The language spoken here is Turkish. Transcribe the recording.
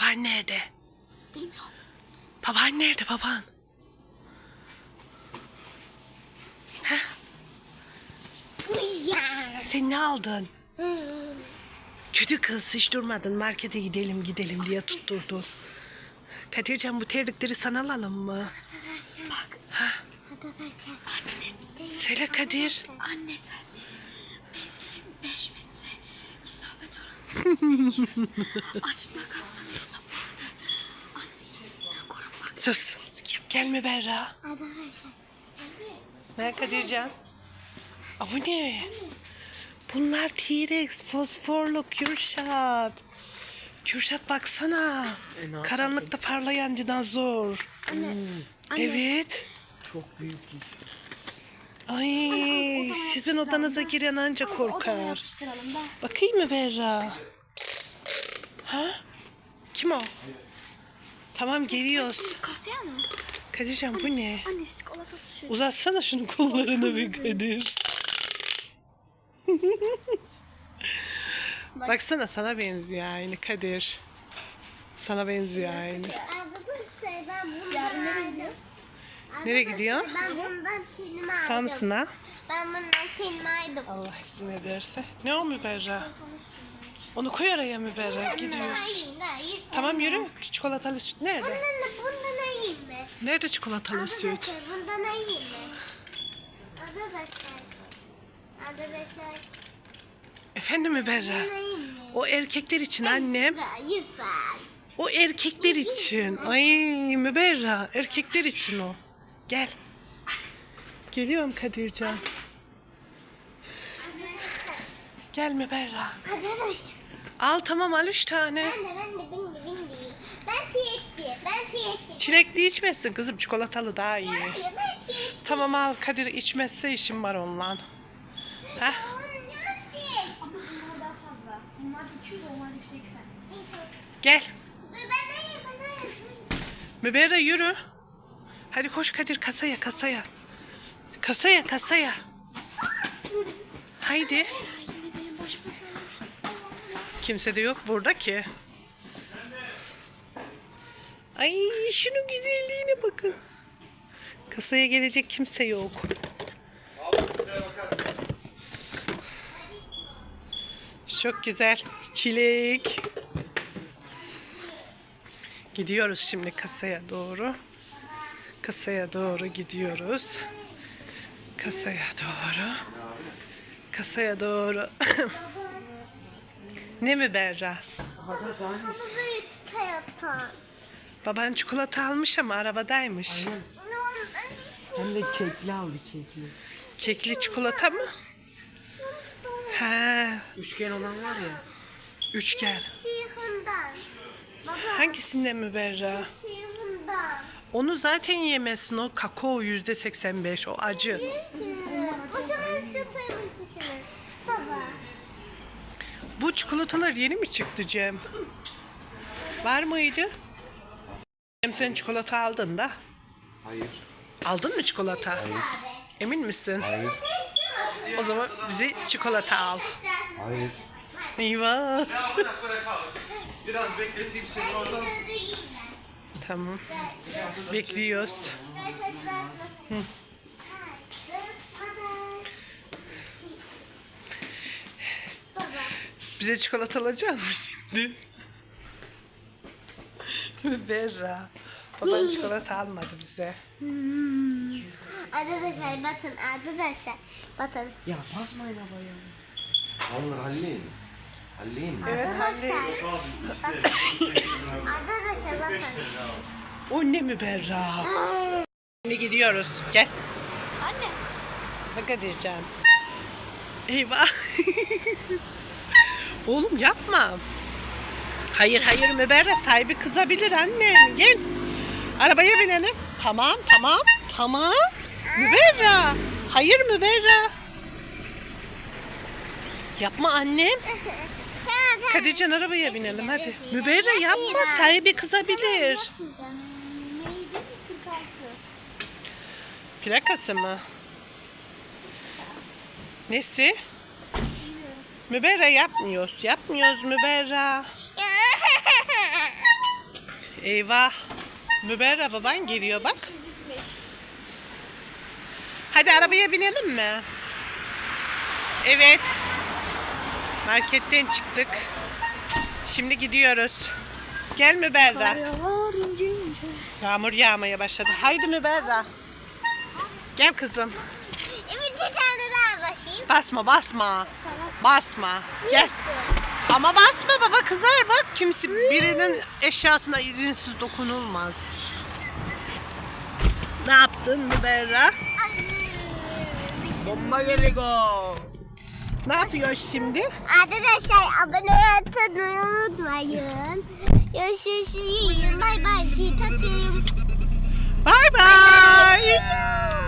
Baban nerede? Bilmiyorum. Baban nerede baban? Heh, Uyar. sen ne aldın? Kötü kız hiç durmadın. Markete gidelim diye tutturdu. Kadircan bu terlikleri sana alalım mı? Bak. Ha, Arkadaşlar. söyle Kadir. Anne sen. Menzilim 5 metre. İsabet oranı %100. Açma kapsamı hesapladı. Anne korunmak. Sus. Gelme Berra. Arkadaşlar. Ne Kadircan? Aa, bu ne? Bunlar T-Rex, fosforlu Kürşat. Kürşat baksana. Karanlıkta parlayan dinozor. Anne. Evet. Çok büyük iş. Ay, sizin odanıza giren anca Odaya korkar. yapıştıralım ben. Bakayım mı Berra? Ha? Kim o? Tamam geliyoruz. Kasaya mı? Kadircan bu ne? Anne çikolata düşüyor. Uzatsana şunun kollarını bir Kadir. Baksana sana benziyor aynı Kadir. Sana benziyor aynı. Arkadaşlar ben bundan Yarın nereye gidiyoruz? Nereye gidiyor? Ben bundan telimi aldım. Samsun'a. Ben bundan telimi aldım. Allah izin ederse. Ne o Müberra? Onu koy araya Müberra. Gidiyoruz. Hayır. Tamam yürü. Çikolatalı süt nerede? Bundan ayayım mı? Nerede çikolatalı süt? Arkadaşlar bundan ayayım mı? Arkadaşlar. Arkadaşlar. Efendim Müberra? Bundan ayayım mı? O erkekler için annem. Lütfen. O erkekler için. Ay Müberra. Erkekler için o. Gel. Geliyorum Kadircan. Gel Müberra. Arkadaşlar. Al tamam al 3 tane. Ben de. Ben tiyetli. Çilekli içmezsin kızım. Çikolatalı daha iyi. Ben tiyetli. Tamam al Kadir içmezse işim var onunla. Heh. Ama bunlar daha fazla. Bunlar 200, onlar 180. Gel. Dur ben ayayım. Müberra yürü. Hadi koş Kadir kasaya. Kasaya. Haydi. Yine benim başıma sarılmışsınız. Kimse de yok burada ki. Ay şunun güzelliğine bakın. Kasaya gelecek kimse yok. Çok güzel. Çilek. Gidiyoruz şimdi kasaya doğru. Kasaya doğru gidiyoruz. Kasaya doğru. Ne mi Berra? Burayı tutayatan. Baban çikolata almış ama arabadaymış. Hem de kekli aldı kekli. Kekli çikolata mı? He, Üçgen olan var ya. üçgen. Sihirden. Baba. Hangisinden mi Berra? Sihirden. Onu zaten yemezsin. O kakao %85. O acı. O zaman şu tabii Baba. Bu çikolatalar yeni mi çıktı Cem? Var mıydı? Cem sen çikolata aldın da. Hayır. Aldın mı çikolata? Emin misin? Hayır. O zaman bize çikolata al. Hayır. Eyvah. Ya bırak abi. Biraz bekleteyim seni oradan. Tamam. Bekliyoruz. Bize çikolata alacak mısın şimdi? Berra. Baban çikolata almadı bize. Arkadaşlar bakın. Ya basmayın havaya. Onları halleyin mi? Evet anne. Arkadaşlar bakın. O ne mi Berra? Şimdi gidiyoruz. Gel. Anne. Bak Kadircan. Eyvah. Oğlum yapma. Hayır Müberra sahibi kızabilir annem. Gel. Arabaya binelim. Tamam. Müberra. Hayır Müberra. Yapma annem. Tamam. Kadircan arabaya binelim hadi. Müberra yapma sahibi kızabilir. Neydi? 46. Plakası mı? Nesi? Müberra yapmıyoruz Müberra. Eyvah. Müberra baban geliyor bak. Hadi arabaya binelim mi? Evet. Marketten çıktık. Şimdi gidiyoruz. Gel Müberra. Yağmur yağmaya başladı. Haydi Müberra. Gel kızım. Evet, bir tane daha basayım. Basma. Basma. Gel. Ama basma baba kızar bak. Kimse birinin eşyasına izinsiz dokunulmaz. Ne yaptın Müberra? Bomba geliyor. Ne yapıyoruz şimdi? Arkadaşlar abone olmayı unutmayın. Görüşürüz. Bay bay. Tatlı. Bay bay.